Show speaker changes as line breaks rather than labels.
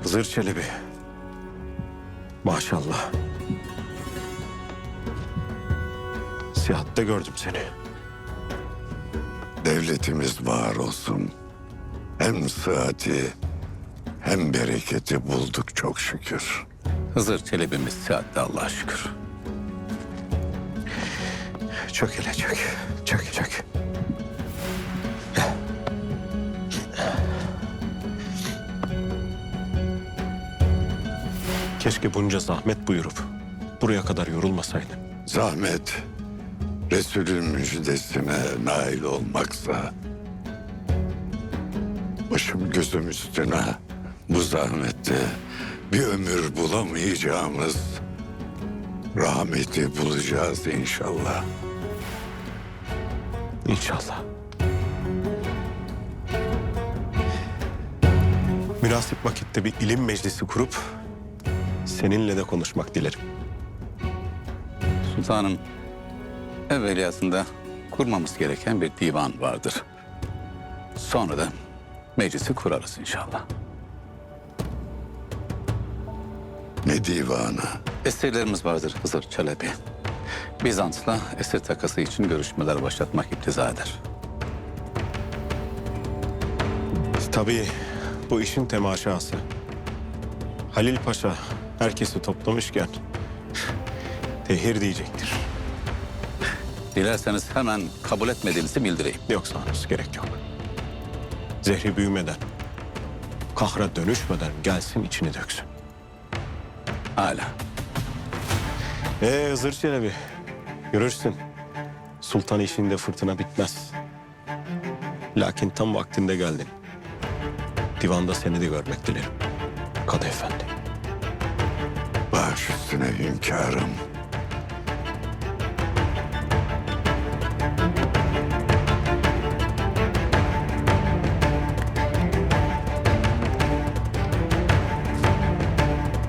Hızır Çelebi. Maşallah. Sihatte gördüm seni.
Devletimiz var olsun. Hem sıhhati hem bereketi bulduk çok şükür.
Hızır Çelebi'miz sıhhatte Allah'a şükür.
Çök hele çök. Çök çök. Keşke bunca zahmet buyurup buraya kadar yorulmasaydın.
Zahmet Resulün müjdesine nail olmaksa başım gözüm üstüne bu zahmette bir ömür bulamayacağımız rahmeti bulacağız inşallah.
İnşallah. Münasip vakitte bir ilim meclisi kurup seninle de konuşmak dilerim.
Sultanım, evveliyatında kurmamız gereken bir divan vardır. Sonra da meclisi kurarız inşallah.
Ne divanı?
Esirlerimiz vardır Hızır Çelebi. Bizans'la esir takası için görüşmeler başlatmak iktiza eder.
Tabii bu işin temaşası. Halil Paşa herkesi toplamışken tehir diyecektir.
Dilerseniz hemen kabul etmediğinizi bildireyim.
Yoksa henüz gerek yok. Zehri büyümeden, kahra dönüşmeden gelsin içini döksün.
Hala.
Hızır Çelebi, görürsün. Sultan işinde fırtına bitmez. Lakin tam vaktinde geldin. Divanda seni de görmek dilerim. Kadı Efendi.
Baş üstüne hünkârım.